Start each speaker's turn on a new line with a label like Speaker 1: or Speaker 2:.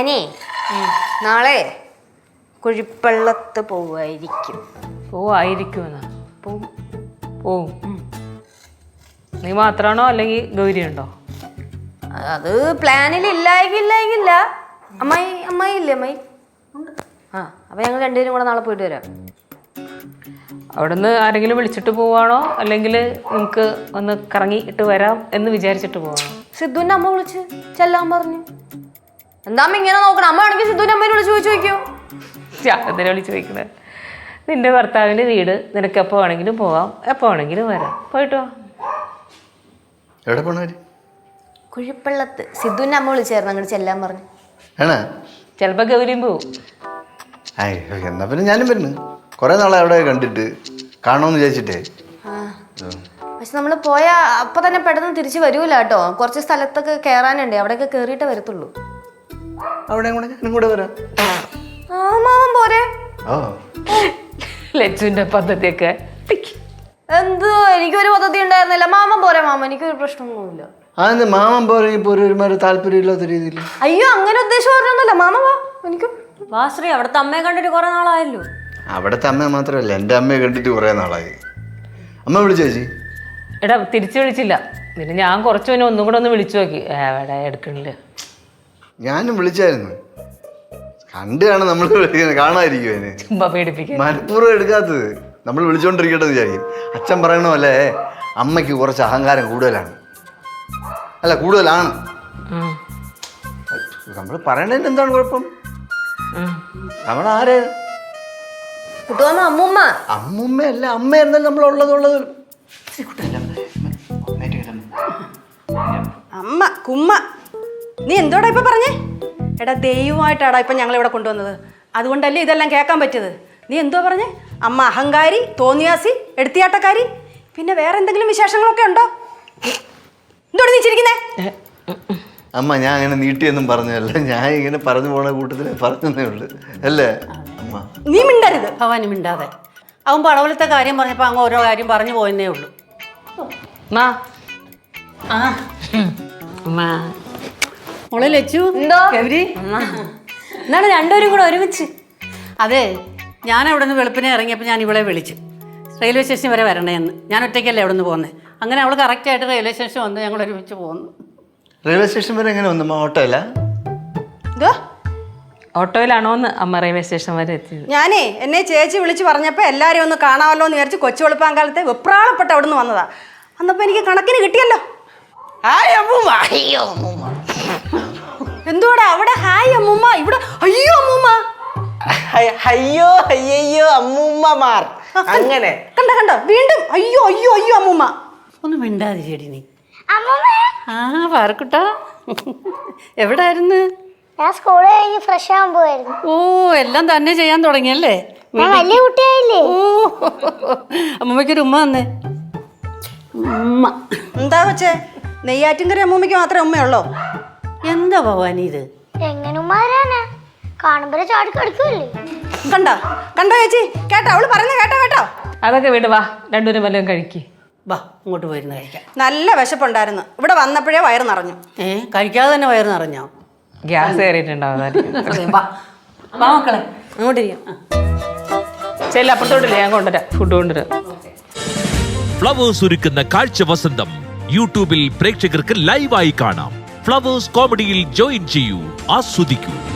Speaker 1: ഞാനേ നാളെ കുഴിപ്പള്ളത്ത് പോവായിരിക്കും.
Speaker 2: പോവും. നീ മാത്രാണോ അല്ലെങ്കിൽ ഗൗരി ഉണ്ടോ?
Speaker 1: അത് പ്ലാനിൽ ഇല്ലായില്ല. അമ്മായി ഇല്ലേ അമ്മായി? അപ്പൊ ഞങ്ങൾ രണ്ടുപേരും കൂടെ നാളെ പോയിട്ട് വരാം.
Speaker 2: അവിടുന്ന് ആരെങ്കിലും വിളിച്ചിട്ട് പോവാണോ അല്ലെങ്കിൽ നിങ്ങക്ക് ഒന്ന് കറങ്ങിയിട്ട് വരാം എന്ന് വിചാരിച്ചിട്ട് പോവാണോ?
Speaker 1: സിദ്ധുവിന്റെ അമ്മ വിളിച്ച് ചെല്ലാൻ പറഞ്ഞു. എന്താ അമ്മ ഇങ്ങനെ നോക്കണം? അമ്മ ആണെങ്കിൽ സിദ്ധുവിന്റെ അമ്മയെ വിളിച്ച് ചോദിക്കോ?
Speaker 2: എന്തിനാ വിളിച്ച് ചോദിക്കുന്നത്? നിന്റെ ഭർത്താവിന്റെ വീട്, നിനക്ക് എപ്പോ വേണമെങ്കിലും പോവാം, എപ്പോ വേണമെങ്കിലും വരാം. പോയിട്ട് വാ.
Speaker 3: എവിടെ പോണവര്?
Speaker 1: കുഴിപ്പള്ളത്ത്. സിദ്ധുവിന്റെ അമ്മ വിളിച്ചായിരുന്നു അങ്ങോട്ട് ചെല്ലാൻ പറഞ്ഞു.
Speaker 2: ചിലപ്പോ ഗൗരിയും പോവും.
Speaker 3: എന്നാ പിന്നെ ഞാനും വരുന്നു. കൊറേ നാളെ അവിടെ കണ്ടിട്ട് കാണണമെന്ന് വിചാരിച്ചിട്ടേ.
Speaker 1: പക്ഷെ നമ്മള് പോയാ അപ്പൊ തന്നെ പെട്ടെന്ന് തിരിച്ചു വരൂല കേട്ടോ. കുറച്ച് സ്ഥലത്തൊക്കെ കേറാനുണ്ട്, അവിടെയൊക്കെ കേറിയിട്ടേ വരത്തുള്ളൂ.
Speaker 3: അവിടെ ഞാനും കൂടെ വരാം.
Speaker 1: മാമൻ പോരെ?
Speaker 2: ലച്ചുവിന്റെ പദ്ധതിയൊക്കെ
Speaker 1: എന്തോ എനിക്കൊരു പദ്ധതി ഉണ്ടായിരുന്നില്ല. മാമൻ പോരെ? മാമൻ എനിക്കൊരു പ്രശ്നമൊന്നുമില്ല.
Speaker 3: അതെന്താ മാമൻ പോരെ? ഒരുമാതിരി താല്പര്യമില്ലാത്ത രീതിയിൽ.
Speaker 1: അയ്യോ, അങ്ങനെ ഉദ്ദേശം പറഞ്ഞൊന്നുമല്ല. മാമ വാ, എനിക്ക്
Speaker 4: വാശ്രീ അവിടുത്തെ അമ്മയെ കണ്ടിട്ട് കുറെ നാളായല്ലോ.
Speaker 3: അവിടുത്തെ അമ്മ മാത്രമല്ല, എൻ്റെ അമ്മയെ കണ്ടിട്ട് കുറെ നാളായി. അമ്മ വിളിച്ചോ ചേച്ചി?
Speaker 2: എടാ തിരിച്ചു വിളിച്ചില്ല. പിന്നെ ഞാൻ കുറച്ചു പിന്നെ ഒന്നും കൂടെ ഒന്ന് വിളിച്ചു നോക്കി. എവിടെ എടുക്കണില്ല.
Speaker 3: ഞാനും വിളിച്ചായിരുന്നു. കണ്ടാണ് നമ്മൾ കാണാതിരിക്കും. അതിന്
Speaker 2: ചുമ്മാ പേടിപ്പിക്കുക.
Speaker 3: മനഃപൂർവ്വം എടുക്കാത്തത്. നമ്മൾ വിളിച്ചോണ്ടിരിക്കട്ടെന്ന് വിചാരിക്കും. അച്ഛൻ പറയണ പോലെ അമ്മയ്ക്ക് കുറച്ച് അഹങ്കാരം കൂടുതലാണ്. നമ്മൾ പറയണതിന് എന്താണ് കുഴപ്പം? നമ്മളാര്?
Speaker 1: അമ്മൂമ്മ.
Speaker 3: അമ്മൂമ്മയല്ല, അമ്മ എന്നാലും നമ്മൾ ഉള്ളത്.
Speaker 5: അമ്മ കുമ്മ. നീ എന്തോടാ ഇപ്പൊ പറഞ്ഞേ? എടാ ദൈവമായിട്ടാടാ ഇപ്പൊ ഞങ്ങൾ ഇവിടെ കൊണ്ടുവന്നത്. അതുകൊണ്ടല്ലേ ഇതെല്ലാം കേൾക്കാൻ പറ്റിയത്. നീ എന്തോ പറഞ്ഞേ? അമ്മ അഹങ്കാരി, തോന്നിയാസി, എടുത്തിയാട്ടക്കാരി, പിന്നെ വേറെ എന്തെങ്കിലും വിശേഷങ്ങളൊക്കെ ഉണ്ടോ? എന്തോട് നീ ചിരിക്കുന്നേ?
Speaker 3: അമ്മ ഞാൻ അങ്ങനെ നീട്ടിയൊന്നും പറഞ്ഞതല്ല. ഞാൻ ഇങ്ങനെ പറഞ്ഞു പോണ കൂട്ടത്തിൽ പറഞ്ഞതേ ഉള്ളു അല്ലേ അമ്മ?
Speaker 5: നീ മിണ്ടരുത്.
Speaker 4: ഭവാനി മിണ്ടാതെ. അവൻ പടവലത്തെ കാര്യം പറഞ്ഞപ്പോ അങ്ങ് ഓരോ കാര്യം പറഞ്ഞു പോയെന്നേ ഉള്ളൂ. മോളെ ലച്ചു, ഗൗരി,
Speaker 1: എന്താണ് രണ്ടുപേരും കൂടെ ഒരുമിച്ച്?
Speaker 4: അതെ, ഞാൻ അവിടെ നിന്ന് വെളുപ്പിനെ ഇറങ്ങിയപ്പോൾ ഞാൻ ഇവളെ വിളിച്ചു. റെയിൽവേ സ്റ്റേഷൻ വരെ വരണേന്ന്. ഞാൻ ഒറ്റയ്ക്കല്ലേ അവിടെ നിന്ന് പോകുന്നത്. അങ്ങനെ അവൾ കറക്റ്റായിട്ട് റെയിൽവേ സ്റ്റേഷൻ വന്ന് ഞങ്ങൾ ഒരുമിച്ച് പോകുന്നു.
Speaker 3: റെയിൽവേ സ്റ്റേഷൻ വരെ എങ്ങനെ വന്നു? ഓട്ടോയില്ല?
Speaker 2: ഓട്ടോയിലാണോന്ന് അമ്മ റെയിൽവേ സ്റ്റേഷൻ വരെ എത്തിയത്.
Speaker 5: ഞാനേ എന്നെ ചേച്ചി വിളിച്ച് പറഞ്ഞപ്പോൾ എല്ലാവരും ഒന്ന് കാണാമല്ലോ എന്ന് വിചാരിച്ച് കൊച്ചു വെളുപ്പാങ്കാലത്തെ വെപ്രാളപ്പെട്ട് അവിടെ നിന്ന് വന്നതാ. അന്നപ്പോൾ എനിക്ക് കണക്കിന് കിട്ടിയല്ലോ. എന്തോടാ അവിടെ ഹായ് അമ്മൂമ്മ, ഇവിടെ അയ്യോ അമ്മൂമ്മ.
Speaker 6: അയ്യോ അമ്മൂമ്മമാർ. അങ്ങനെ
Speaker 5: കണ്ടോ വീണ്ടും അയ്യോ അയ്യോ അയ്യോ അമ്മൂമ്മ.
Speaker 4: ഒന്ന് മിണ്ടാതെ ചേടി നീ. പാറക്കുട്ടാ, എവിടായിരുന്നു?
Speaker 7: ഞാൻ സ്കൂളിൽ കഴിഞ്ഞ് ഫ്രഷ് ആവാൻ പോവായിരുന്നു.
Speaker 4: ഓ, എല്ലാം തന്നെ ചെയ്യാൻ തുടങ്ങിയല്ലേ?
Speaker 7: വലിയ കുട്ടിയായില്ലേ?
Speaker 4: ഓ, അമ്മമ്മയ്ക്കൊരു ഉമ്മ തന്നേ. ഉമ്മ
Speaker 5: എന്താ വെച്ചേ? നെയ്യാറ്റിൻകര അമ്മൂമ്മയ്ക്ക് മാത്രമേ ഉമ്മയുള്ളോ?
Speaker 4: എന്താ ഭവാനി ഇത്?
Speaker 7: എങ്ങനുമാരാണ് കാണുമ്പോഴേ ചാടി കിടക്കുമല്ലേ?
Speaker 5: കണ്ടോ ചേച്ചി? കേട്ടോ അവള് പറയുന്നത്? കേട്ടോ
Speaker 2: അതൊക്കെ വീട് വാ, രണ്ടുപേരും വല്ലതും കഴിക്ക്.
Speaker 4: വാ, ഇങ്ങോട്ട് പോയിരുന്ന് കഴിക്കാം.
Speaker 5: നല്ല വിശപ്പുണ്ടായിരുന്നു. ഇവിടെ വന്നപ്പോഴേ വയറ് നിറഞ്ഞു.
Speaker 4: കഴിക്കാതെ തന്നെ വയറ് നിറഞ്ഞോ?
Speaker 2: ഗ്യാസ് കയറിയിട്ടുണ്ടാവും.
Speaker 4: വാ മക്കളെ, അങ്ങോട്ടിരിക്കാം.
Speaker 2: ചെല്ല, അപ്പുറത്തോട്ടില്ലേ, ഞാൻ കൊണ്ടുവരാം. ഫുഡ് കൊണ്ടുവരാം.
Speaker 8: ഫ്ലവേഴ്സ് ഒരുക്കുന്ന കാഴ്ച വസന്തം യൂട്യൂബിൽ പ്രേക്ഷകർക്ക് ലൈവായി കാണാം. ഫ്ലവേഴ്സ് കോമഡിയിൽ ജോയിൻ ചെയ്യൂ, ആസ്വദിക്കൂ.